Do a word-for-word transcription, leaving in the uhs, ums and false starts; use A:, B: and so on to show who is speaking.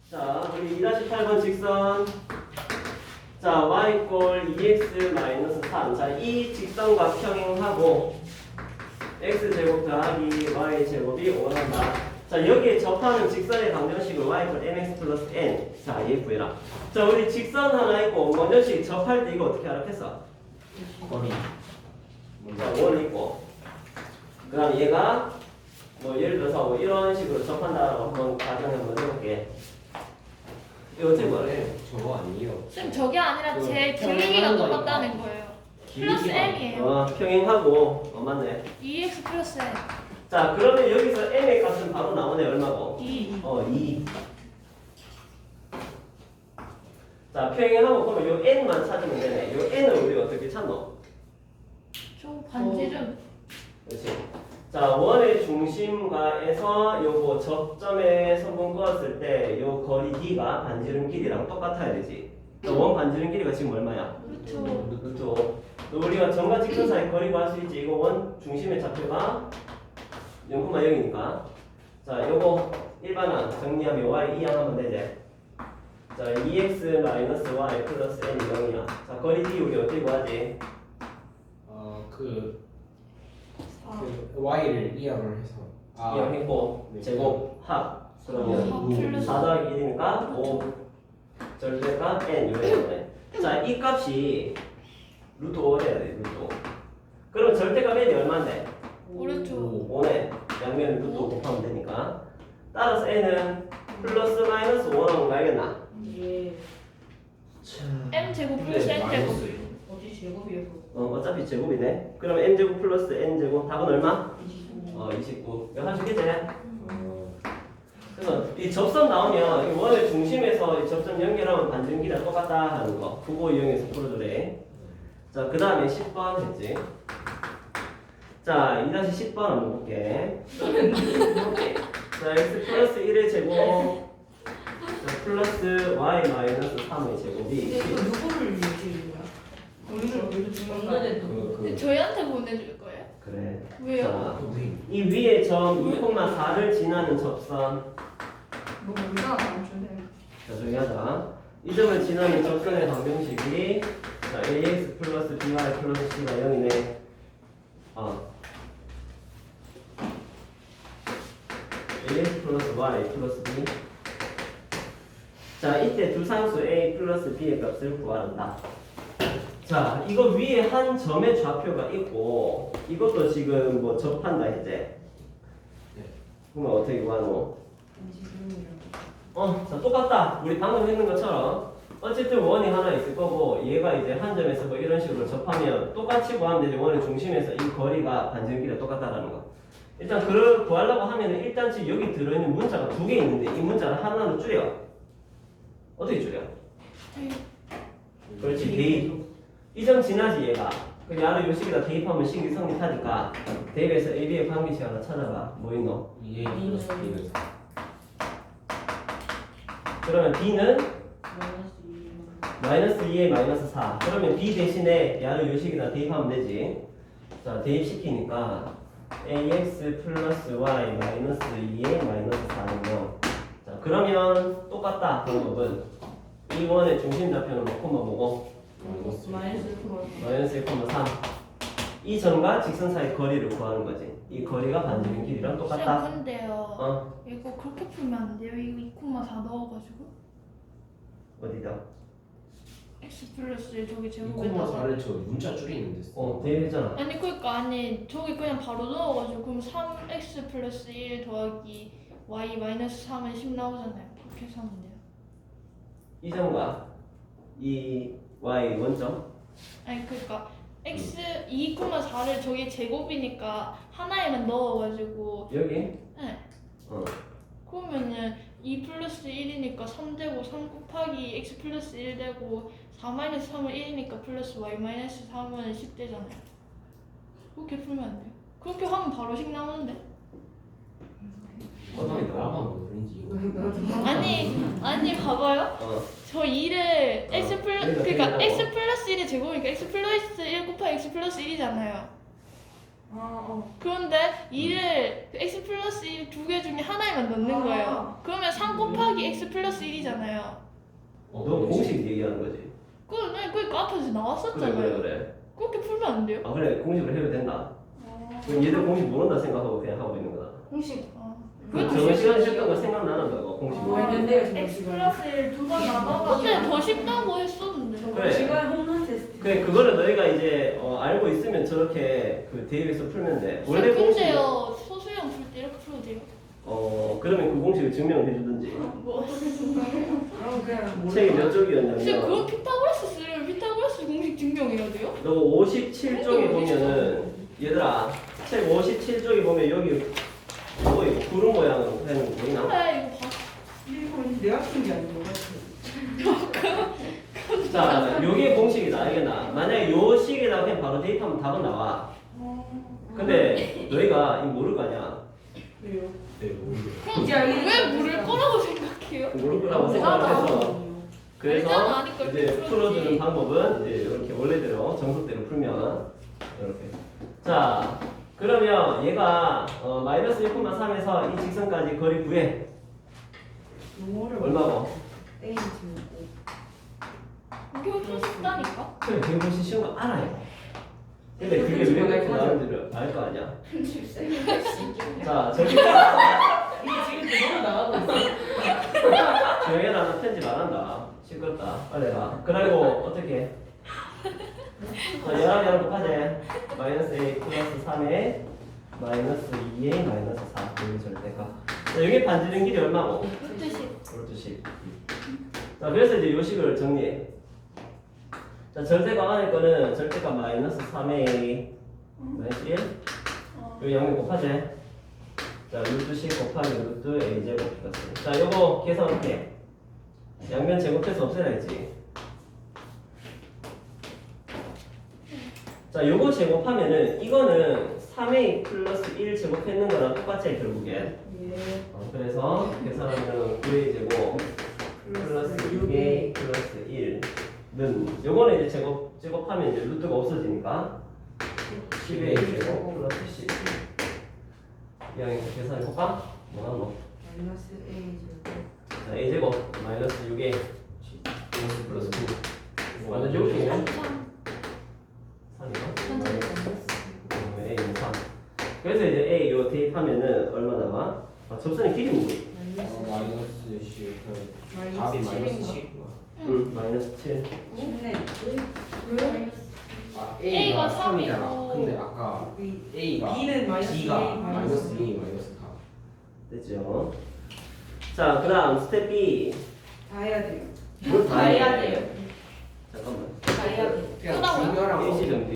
A: 자, 우리 이 팔 번 직선. 자, y 꼴 이 엑스 마이너스 삼. 자, 이 직선과 평행하고 x제곱 더하기 y제곱이 원한다. 자, 여기에 접하는 직선의 방정식을 y 꼴 mx 플러스 n. 자, 얘 구해라. 자, 우리 직선 하나 있고 원전식 접할 때 이거 어떻게 알았겠어?
B: 거리.
A: 자, 원 있고. 그 다음 얘가 뭐 예를 들어서 뭐 이런 식으로 접한다라고 한번 가정 한번 해볼게. 이거 어떻게 말해?
B: 저거 아니에요.
C: 쌤 저게 아니라
B: 그
C: 제
B: 평행하는
C: 길이가
B: 거니까.
C: 똑같다는 거예요. 플러스
B: 길이가
C: m이에요.
A: 어, 평행하고. 어, 맞네.
C: 이 엑스 플러스 m.
A: 자, 그러면 여기서 m의 값은 바로 나오네. 얼마고?
C: 이.
A: 어, 이. 자, 평행하고 그러면 요 n만 찾으면 되네. 요 n을 우리가 어떻게 찾노?
C: 저 반지름.
A: 그렇지. 자, 원의 중심과에서 요거 접점에 선분 그었을 때 요 거리 d가 반지름 길이랑 똑같아야 되지. 자, 원 반지름 길이가 지금 얼마야?
C: 그렇죠.
A: 그렇죠. 우리가 점과 직선 사이 거리 구할 수 있지. 이거 원 중심의 좌표가 영 콤마 영이니까. 자, 요거 일반항 정리하면 y 이항 하면 되지. 자, 이 엑스 마이너스 y 플러스 n이 영이야. 자, 거리 d 우리 어떻게 구하지?
B: 어그
C: 사.
B: 그 y를 이항을 해서 아
A: 이항 했고
B: 네.
A: 제곱 합 그러면
C: 사 플러스
A: 사 더하기 일이니까 오 절대가 n 요래요. 자, 이 값이 루트 오를 해야 돼. 루트 오. 그럼 절대값 n이 얼마인데?
C: 오른쪽.
A: 오네. 양면을 루트 오 곱하면 되니까. 따라서 n은 플러스 마이너스 오라고 가야겠나?
D: 예.
C: m 제곱 플러스
B: 네,
C: n
B: 마이너스.
C: 제곱.
D: 어디 제곱이어서
A: 어, 어차피 제곱이네. 그럼 n제곱 플러스 n제곱 답은 얼마?
D: 이십오.
A: 어, 이십구. 이거 할 수 있겠지?
B: 어,
A: 그래서 이 접선 나오면 이 원의 중심에서 이 접선 연결하면 반지름 길이랑 똑같다 하는 거. 그거 이용해서 풀어주래. 자, 그 다음에 십 번 했지. 자, 이 십 번 한번 볼게. 자, x 플러스 일의 제곱. 자, 플러스 y 마이너스 삼의 제곱이.
D: 근데 이거 누구를 얘기하는 거야? 우리를 우리를 주는 거야?
B: 그, 그,
C: 저희한테 보내줄 거예요?
A: 그래.
C: 왜요?
A: 자,
B: 그,
A: 이 위에 점 이 콤마 사를 지나는 접선.
D: 뭐 우리가 안 주네.
A: 자, 조용히 하자. 이 점을 지나는 접선의 방정식이 자, ax 플러스 by 플러스 c가 영이네. 어. ax 플러스 y 플러스 b. 자, 이때 두 상수 a 플러스 b의 값을 구하란다. 자, 이거 위에 한 점의 좌표가 있고 이것도 지금 뭐 접한다 이제.
B: 네.
A: 그러면 어떻게 구하노?
D: 지금이랑.
A: 어, 자, 똑같다. 우리 방금 했는 것처럼 어쨌든 원이 하나 있을 거고 얘가 이제 한 점에서 뭐 이런 식으로 접하면 똑같이 구하면 되지. 원의 중심에서 이 거리가 반지름 길이가 똑같다라는 거. 일단 그걸 구하려고 하면은 일단 지금 여기 들어있는 문자가 두 개 있는데 이 문자를 하나로 줄여. 어떻게 줄여? 그렇지, 대입. 이 점 지나지 얘가. 그 야를 요식에다 대입하면 식이 성립하니까 대입해서 A, B의 관계식 하나 찾아봐. 뭐 있노?
B: 이게 플러스 B는
A: 그러면 B는
D: 마이너스 이.
A: 마이너스 이에 마이너스 사. 그러면 B 대신에 야를 요식에다 대입하면 되지. 자, 대입시키니까 ax 플러스 y 마이너스 이에 마이너스 사는 영. 자, 그러면 똑같다. 방법은 이 원의 중심 좌표는 뭐 콤마 뭐고?
B: 마이너스
D: 마이너스 콤마.
A: 마이너스 일 콤마 삼. 이 점과 직선 사이 거리를 구하는 거지. 이 거리가 반지름 길이랑 똑같다.
C: 쌤 근데요.
A: 어?
C: 이거 그렇게 풀면 안 돼요? 이거 이 콤마 사 넣어가지고
A: 어디다?
C: x 플러스 일 저기
B: 이 콤마
C: 제곱에다가.
B: 사를 저 문자 줄이는데 써.
A: 어, 대입했잖아.
C: 아니 그러니까 아니 저기 그냥 바로 넣어가지고 그럼 삼 엑스 플러스 일 더하기 y 마이너스 삼은 십 나오잖아요. 그렇게 해서 하면 돼요.
A: 이 점과 이 y 원점.
C: 아니 그러니까 x 이 콤마 사를 저기 제곱이니까 하나에만 넣어가지고
A: 여기?
C: 네.
A: 어.
C: 그러면은 이 플러스 일이니까 삼 되고 삼 곱하기 x 플러스 일 되고 사 마이너스 삼은 일이니까 플러스 y 마이너스 삼은 십 되잖아요. 그렇게 풀면 안 돼요? 그렇게 하면 바로 식 나오는데?
B: 어떻게 나만 모르는지 이거.
C: 아니 아니 봐봐요.
A: 어.
C: 저 일을 x 플러
A: 그러니까
C: 그러니까
A: 그러니까
C: x 플러스 일의 제곱이니까 x 플러스 일 곱하기 x 플러스 일이잖아요.
D: 아, 어.
C: 그런데 이를 x 플러스 일 두 개 중에 하나에만 넣는
D: 아.
C: 거예요. 그러면 삼 곱하기 x 플러스 일이잖아요.
B: 어,
A: 너 공식 얘기하는 거지.
C: 그건 네, 그러니까 앞에서
A: 그래
C: 나왔었잖아요.
A: 그래 그래.
C: 그렇게 풀면 안 돼요?
A: 아 그래 공식으로 해도 된다.
C: 아,
A: 그럼 얘들 공식 모른다 생각하고 그냥 하고 있는 거다.
D: 공식.
C: 아.
A: 그 저번 시간에 했던 거 생각나는 거야 공식.
D: 뭐 했는데요, 저번
E: X
D: 시간에?
E: 플러스 일 두 번 나눠가지고
C: 근데 더 쉽다고 했었는데.
A: 그래.
D: 시간 홈런 테스트.
A: 그래 그거를 너희가 이제 어, 알고 있으면 저렇게 그 대입해서 풀면 돼. 원래
C: 원래
A: 공식
C: 근데요 소수형 풀 때 이렇게 풀어도 돼요?
A: 어 그러면 그 공식을 증명해 주든지.
C: 뭐
D: 그럼 그냥
A: 책이 몇
C: 근데
A: 쪽이었냐면
C: 그건 피타고라스 쓰려면 피타고라스 공식 증명해야 돼요?
A: 너 오십칠 쪽에 보면은 얘들아 책 오십칠 쪽에 보면 여기 뭐 이거 구름 모양으로 되는 거 보이나?
C: 그래 이거 봐.
D: 이거 내가 쓴 게 아닌 것 같아.
A: 자 요게 공식이다 알겠나? 만약에 요 식에다가 그냥 바로 대입하면 답은 나와. 근데 너희가 이거 모를 거 아니야?
D: 왜요?
B: 네, 모르겠어요.
C: 그럼
D: 이제 알겠어요.
C: 왜 물을 거라고 생각해요?
A: 모를 거라고 생각해서 그래서
C: 알잖아, 아니까
A: 이제
C: 풀어주지.
A: 풀어주는 방법은 이제 이렇게 원래대로 정석대로 풀면 이렇게. 자 그러면 얘가 어, 마이너스 일 콤마 삼에서 이 직선까지 거리 구해.
D: 용어를
A: 얼마고?
D: 땡이 지우고.
C: 이게 훨씬 쉽다니까?
A: 그래 되게 훨씬 쉬운 거 알아요. 근데 그게 왜 그렇게 나오는지를 알 거 아니야. 자 저기
D: 이게 지금 그대로 나가고 있어.
A: 조용해라 나 편집 안 한다. 시끄럽다. 빨리 해라. 그리고 어떻게 해? 자 열한 열한 곱하지. 마이너스 a 플러스 삼에 마이너스 이에 마이너스 사. 여기 절대가. 자 여기 반지름 길이 얼마고?
C: 루트 십.
A: 루트 십. 자 그래서 이제 요 식을 정리해. 자 절대값 안에 거는 절대값 마이너스 삼에 a 마이너스 일.
C: 어.
A: 여기 영역 곱하지. 자 루트 십 곱하기 루트 a 제곱 플러스. 자 요거 계산 어떻게 해? 양면 제곱해서 없애야지. 자 요거 제곱하면은 이거는 삼 a 플러스 일 제곱했는 거랑 똑같지 결국엔.
D: 예.
A: 어, 그래서 계산하면 구 a 제곱 플러스 육 a 플러스 일는 요거는 이제 제곱 제곱하면 이제 루트가 없어지니까 십 a 제곱 플러스 십. 이왕에서 계산해 볼까? 뭐가 뭐?
D: 마이너스 A 제곱.
A: 자 a 제곱 마이너스 육 a 플러스 플러스 구. 완전 제곱이네. 삼이요? a는 삼. 그래서 이제 a 요 대입하면은 얼마 나와? 아, 접선의 길이 뭐지?
B: 어,
D: 마이너스
B: 마이너스 십.
D: 마이너스
B: 답이 마이너스
D: 칠인가?
B: 십.
A: 응, 마이너스 칠.
D: 네.
B: 아,
C: A가
B: A가
C: 삼이고.
B: 삼이잖아. 근데 아까 A가
D: B는 마이너스
B: B가
D: A,
B: 마이너스 이, 마이너스 사.
A: 됐죠? 자, 그 다음 스텝 B.
D: 다 해야 돼요.
A: 뭘
E: 다 해야 돼요.
A: 잠깐만.
E: 다 해야 돼요.
B: 그냥
C: 끝나고요?
B: 중요한 거
A: 일시정지.